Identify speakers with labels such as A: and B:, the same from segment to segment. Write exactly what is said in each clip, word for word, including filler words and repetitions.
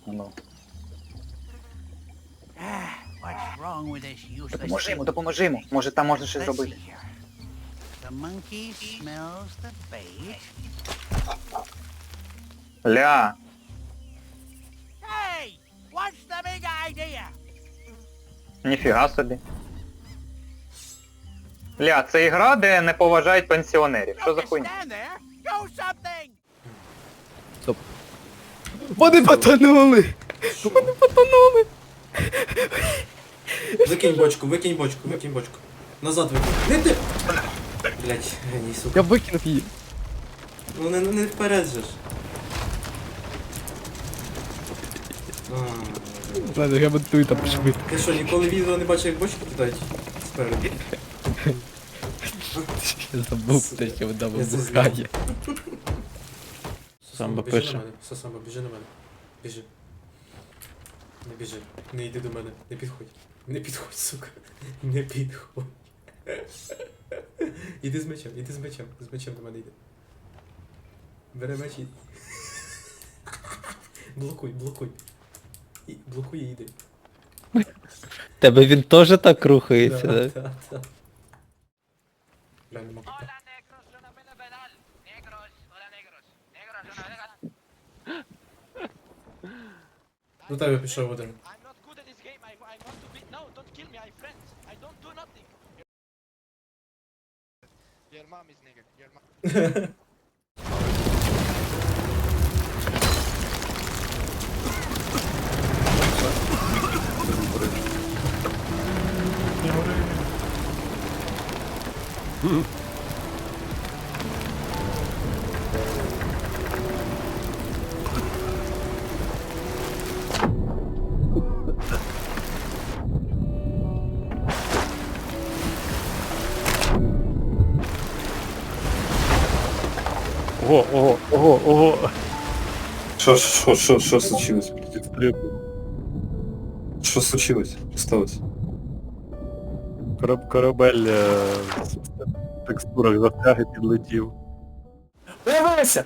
A: Ну.
B: Ah, what's wrong with this useless
A: Допоможи йому,
B: thing?
A: допоможи йому. Може там можна щось
B: Let's see
A: зробити.
B: here. The monkey smells the bait.
A: Ля.
B: Hey, what's the big idea?
A: Ніфіга собі. Ля, це ігра, де не поважають пенсіонерів. Що за
B: Don't
A: хуйня?
B: stand there. Do something.
C: Вони потонули! Вони потонули!
D: Викинь бочку, викинь бочку, викинь бочку. Назад викинь. Не ти! Блять, геній, сука.
C: Я викинув її.
D: Ну не, не вперед же ж. А,
C: Ладно, я монтую там швидко.
D: ти що, ніколи відео не бачив, як бочку кидають? Спереду.
C: Я забув те, що вона
D: Я це
C: вибухає.
D: Самбо,
C: пише.
D: біжи на мене. Сосамбо, біжи на мене. Біжи. Не біжи. Не йди до мене. Не підходь. Не підходь, сука. Не підходь. Іди з мечем, іди з мечем. З мечем до мене йди. Бери меч і... Блокуй, блокуй. І, блокуй і йди.
C: Тебе він теж так рухається, да?
D: Да, да. Бля, не можу.
B: Hola, negros, una pena penal. Negros, hola, negros. Negros, una pena.
D: До тебе пішов один.
B: I'm not good at this game. I, I want to be. No, don't kill me. I'm friends. I don't do nothing. Your mom is nigger. Your mom.
E: Ого, ого, ого, ого.
F: Що, що, що, що случилось? Що случилось? Що сталося?
E: Кораб, корабель е, в текстурах застряг і підлетів.
A: Дивися!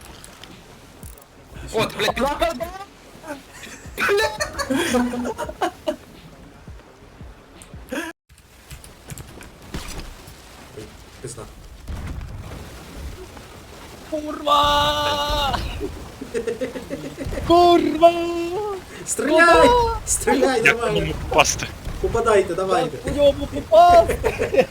A: От, блядь,
D: Пизда.
C: Курва! Курва!
D: Стріляй! Стріляй,
E: Як
D: давай!
E: йому попасти?
D: Попадайте, давайте!
C: По ньому попасти!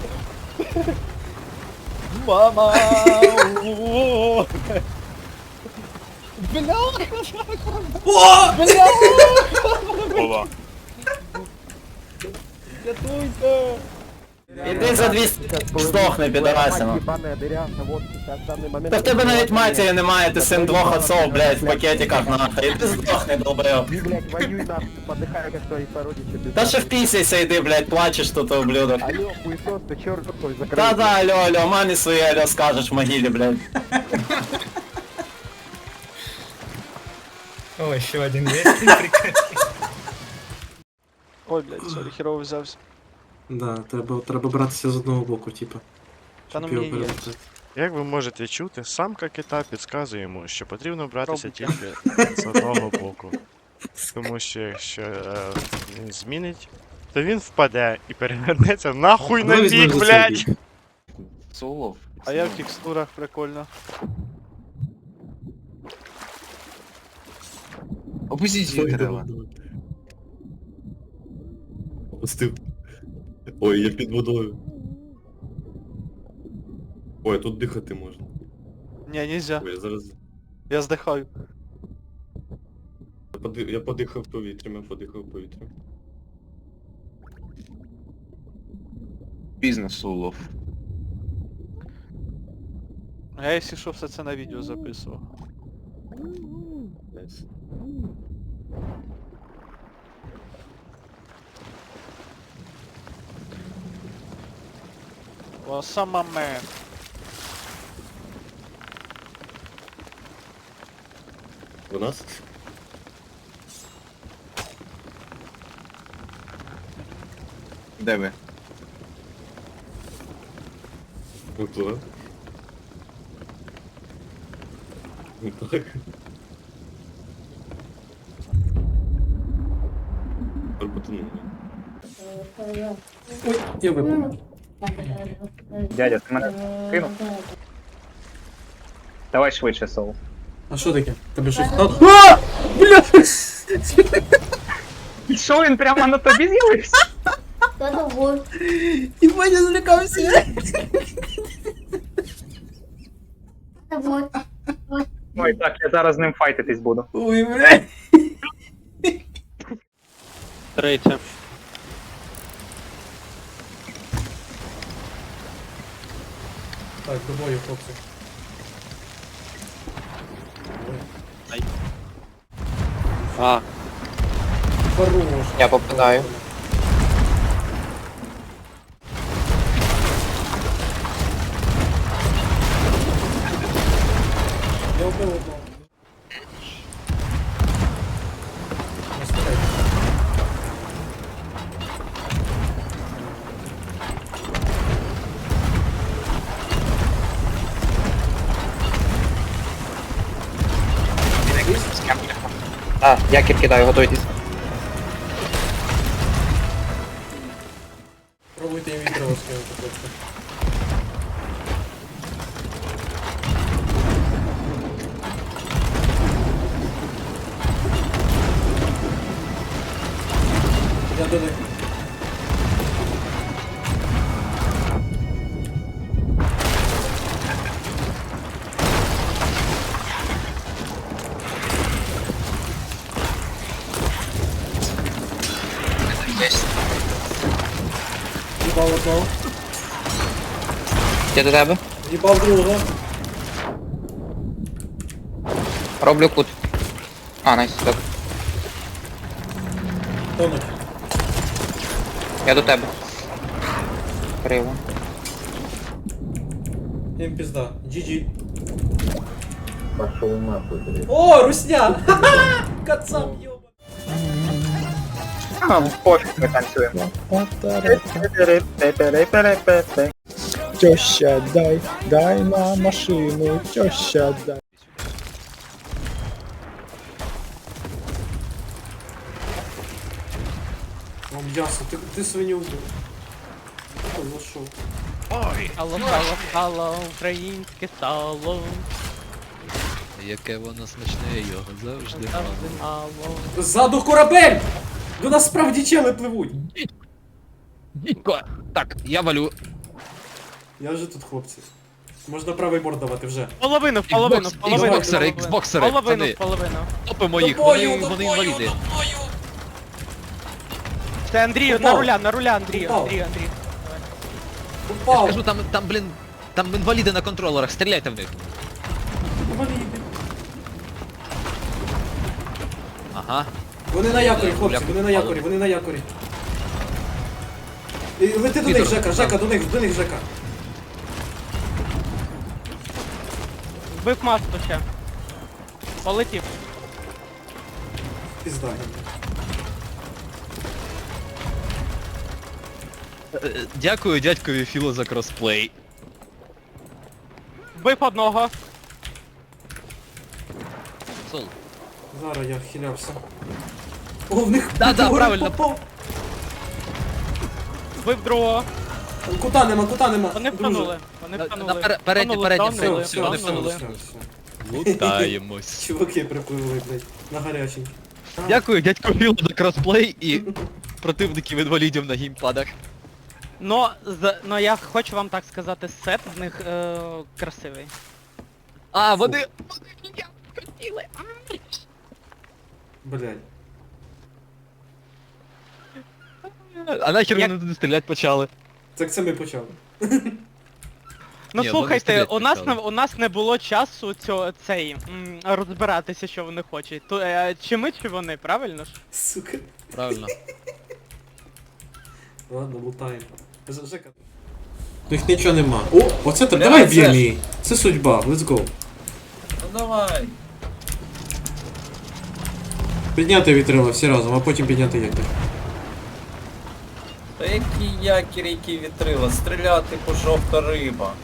C: Мама! О! Бля!
D: О!
C: Бля!
E: Ова.
C: Рятуйте!
G: Іди за двісті, здохни, підарасину. Та в тебе навіть матері немає, ти син двох отцов, блядь, в пакетиках нахуй. Іди здохни, долбойоб. Та ще впісяйся, йди, блядь, плачеш тут, ублюдок. Та-да, алло, алло, мамі своїй алло скажеш в могилі, блядь.
H: О, ще один є. Прикольно.
I: Ой, блядь, сорі, херово взявся.
D: Да, треба, треба братися з одного боку, типа.
I: Та ну
D: Щоб його
I: мені є.
D: перебити.
E: Як ви можете чути, самка кита підказує йому, що потрібно братися
I: Робить.
E: тільки з одного боку. Тому що якщо е, він змінить, то він впаде і перевернеться нахуй на
D: Давай візьмемо
E: бік,
D: за
E: блядь!
D: цей бік.
A: Солов.
I: А я в текстурах прикольно.
A: Опустіть її дерева.
F: Опустив. Ой, я під водою. Ой, тут дихати можна.
I: Ні, нельзя.
F: Ой, я зараз.
I: Я здихаю.
F: Я, поди... я подихав повітрям, я подихав повітрям.
A: Бізнес улов.
I: А я, якщо що, все це на відео записував.
F: Найс.
I: О, сама мен.
F: У нас?
A: Де ви?
F: Випливе. Так. тепер потонув.
D: Ой, я випав.
A: Дядя, ти мене кинув? Давай швидше, Соул.
D: А що таке? Тебе щось... А! А! Бля!
A: Що він прямо на тобі з'явився?
D: І Ваня злякався.
A: Ой, так, я зараз з ним файтитись буду.
D: Ой, бля.
I: Третє.
D: Так, до бою, хлопці.
I: А,
D: Хорош.
G: Я попадаю.
D: Я вбив одного. Не стріляй.
G: А, якір кидаю, готуйтесь.
D: Пробуйте їм відро скинути, хлопці. Я до них. Їбав одного.
G: Я до тебе.
D: Їбав другого.
G: Роблю кут. А, найс, так.
D: Тонуть.
G: Я до тебе. Криво.
D: Їм пізда. джі джі. О, русня! Ха-ха! Кацап, йоба.
A: А, пофіг, ми танцюємо.
C: Теща, дай, дай на машину, теща, дай.
D: О, м'ясо, ти, ти свиню вбив. Ой, за що?
I: алло, алло, алло, українське сало.
C: Яке воно смачне, його завжди мало.
I: Алло.
D: Ззаду корабель! До нас справді чели пливуть.
C: Так, я валю.
D: Я вже тут, хлопці. Можна правий борт давати вже.
I: Половину, в половину, в
C: Xbox-
I: половину.
C: Xboxери,
I: в половину.
C: Xboxери,
I: Половину,
C: пацани.
I: в половину.
C: Топимо
D: До
C: їх,
D: бою,
C: вони,
D: до
C: вони
D: бою,
C: інваліди.
D: до бою!
I: Це Андрію, на
D: Упав.
I: руля, на руля, Андрію,
D: Упав.
I: Андрію, Андрію.
C: Я
D: Упав!
C: скажу, там, там, блін, там інваліди на контролерах, стріляйте в них.
D: Інваліди.
C: Ага.
D: Вони на якорі, хлопці, вони на якорі, вони на якорі. І лети до них,
C: Підор.
D: Жека, Жека, до них, до них, Жека.
I: Вбив масту ще. Полетів.
D: Пізда.
C: Е, Дякую дядькові Філо за кросплей.
I: Вбив одного.
C: Сол.
D: Зараз я хилявся. О, в них
C: Да, да,
D: вгору
C: правильно.
D: попав.
I: Вбив другого.
D: Кута нема, кута нема.
I: Вони
D: друже.
I: втонули. Вони
C: На-
I: втонули.
C: на пере- переднє,
I: Втонули,
C: переднє,
I: втонули,
D: Все,
C: вони
D: все,
I: втонули.
D: все,
C: втонули.
D: все, все.
C: Лутаємось.
D: Чуваки припливли, блядь, на гарячий.
C: Дякую дядьку Філо за кросплей і противників інвалідів на геймпадах.
I: Но, з, но я хочу вам так сказати, сет в них е, красивий.
C: А, вони... вони я хотіли.
D: Блядь.
C: А нахер
I: Як-
C: вони туди стріляти почали?
D: Так це ми почали.
I: Ну
C: Ні, вони
I: слухайте,
C: стріляти
I: у нас не
C: почали.
I: у нас не було часу цього цей м, розбиратися, що вони хочуть. То е, чи ми, чи вони, правильно ж?
D: Сука.
C: Правильно.
D: Ладно, лутаємо. Ж- Жека. У них нічого нема. О, оце так, давай б'ємо її. Це судьба, let's go.
G: Ну давай.
D: Підняти вітрила всі разом, а потім підняти якір.
G: Та які якір, які вітрила, стріляти по жовта риба.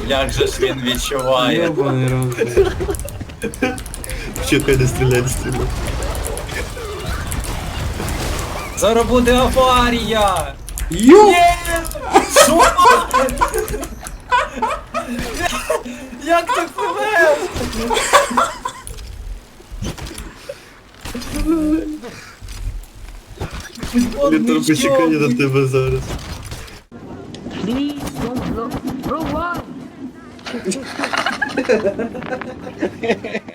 G: Як же ж він відчуває.
D: Йобаний рот.
F: Чекай, не стріляй, не стріляй.
G: Зараз буде аварія!
D: Йо!
G: Ні! Що? Як ти пливеш?
F: Вітер почекає на тебе зараз.
B: Please don't blow. Bro, why?